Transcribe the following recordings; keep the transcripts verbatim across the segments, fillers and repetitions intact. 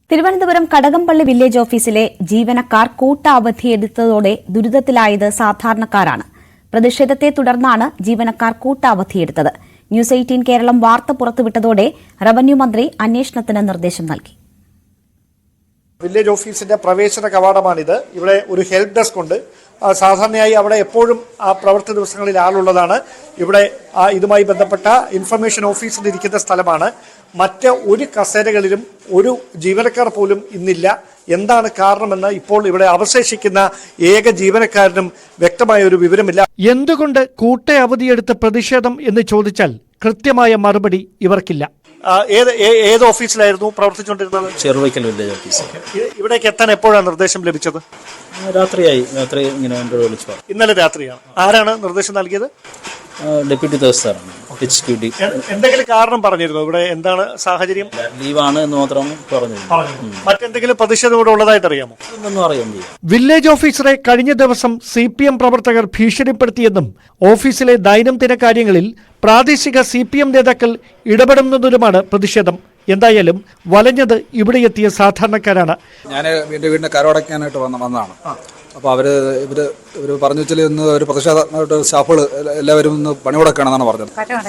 Thiruvananthapuram Kadakampally village ഓഫീസിലെ ജീവനക്കാർ കൂട്ട അവധിയെടുത്തതോടെ ദുരിതത്തിലായത് സാധാരണക്കാരാണ്. പ്രതിഷേധത്തെ തുടർന്നാണ് ജീവനക്കാർ കൂട്ട അവധിയെടുത്തത്. ന്യൂസ് എയ്റ്റീൻ കേരളം വാർത്ത പുറത്തുവിട്ടതോടെ റവന്യൂ മന്ത്രി അന്വേഷണത്തിന് നിർദ്ദേശം നൽകി. വില്ലേജ് ഓഫീസിന്റെ പ്രവേശന കവാടമാണിത്. ഇവിടെ ഒരു ഹെൽപ്പ് ഡെസ്ക് ഉണ്ട്. സാധാരണയായി അവിടെ എപ്പോഴും ആ പ്രവൃത്തി ദിവസങ്ങളിൽ ആളുള്ളതാണ്. ഇവിടെ ഇതുമായി ബന്ധപ്പെട്ട ഇൻഫർമേഷൻ ഓഫീസർ ഇരിക്കുന്ന സ്ഥലമാണ്. മറ്റ് ഒരു കസേരകളിലും ഒരു ജീവനക്കാർ പോലും ഇന്നില്ല. എന്താണ് കാരണമെന്ന് ഇപ്പോൾ ഇവിടെ അവശേഷിക്കുന്ന ഏക ജീവനക്കാരനും വ്യക്തമായ ഒരു വിവരമില്ല. എന്തുകൊണ്ട് കൂട്ട അവധിയെടുത്ത പ്രതിഷേധം എന്ന് ചോദിച്ചാൽ കൃത്യമായ മറുപടി ഇവർക്കില്ല. ഏത് ഏത് ഓഫീസിലായിരുന്നു പ്രവർത്തിച്ചുകൊണ്ടിരുന്നത്? Cheruvaikkal village office. ഇവിടേക്ക് എത്താൻ എപ്പോഴാണ് നിർദ്ദേശം ലഭിച്ചത്? രാത്രിയായി. രാത്രി ഇങ്ങനെ വിളിച്ചു. ഇന്നലെ രാത്രിയാണ്. ആരാണ് നിർദ്ദേശം നൽകിയത്? ഡെപ്യൂട്ടി തഹസിൽദാറാണ്. എന്തെങ്കിലും കാരണം പറഞ്ഞിരുന്നു? ഇവിടെ എന്താണ് സാഹചര്യം? ലീവാണ് എന്ന് മാത്രം പറഞ്ഞു. മറ്റെന്തെങ്കിലും പ്രതിഷേധം ഇവിടെ ഉള്ളതായിട്ട് അറിയാമോ? ഒന്നും അറിയാൻ വയ്യ. വില്ലേജ് ഓഫീസറെ കഴിഞ്ഞ ദിവസം സി പി എം പ്രവർത്തകർ ഭീഷണിപ്പെടുത്തിയെന്നും ഓഫീസിലെ ദൈനംദിന കാര്യങ്ങളിൽ പ്രാദേശിക സി പി എം നേതാക്കൾ ഇടപെടുന്നതിലുമാണ് പ്രതിഷേധം. എന്തായാലും വലഞ്ഞത് ഇവിടെ എത്തിയ സാധാരണക്കാരാണ്. ഞാൻ എന്റെ വീടിന്റെ കരമടയ്ക്കാനായിട്ട് വന്ന വന്നതാണ്. അപ്പോൾ അവര് ഇവര് ഇവര് പറഞ്ഞു വെച്ചാൽ ഇന്ന് ഒരു പ്രതിഷേധമായിട്ട് സ്റ്റാഫുകൾ എല്ലാവരും ഒന്ന് പണിമുടക്കുകയാണെന്നാണ് പറഞ്ഞത്.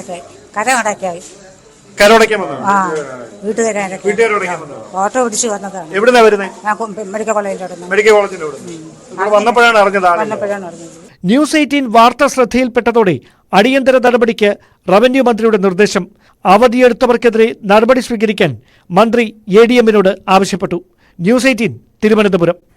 ഓട്ടോ പിടിച്ച് വന്നതാണ്. എവിടുന്നാ വരുന്നത്? മെഡിക്കൽ കോളേജിന്റെ മെഡിക്കൽ കോളേജിന്റെ വന്നപ്പോഴാണ് അറിഞ്ഞത്. ന്യൂസ് എയ്റ്റീൻ വാർത്ത ശ്രദ്ധയിൽപ്പെട്ടതോടെ അടിയന്തര നടപടിക്ക് റവന്യൂ മന്ത്രിയുടെ നിർദ്ദേശം. അവധിയെടുത്തവർക്കെതിരെ നടപടി സ്വീകരിക്കാൻ മന്ത്രി എ ഡി എമ്മിനോട് ആവശ്യപ്പെട്ടു. News eighteen Thiruvananthapuram.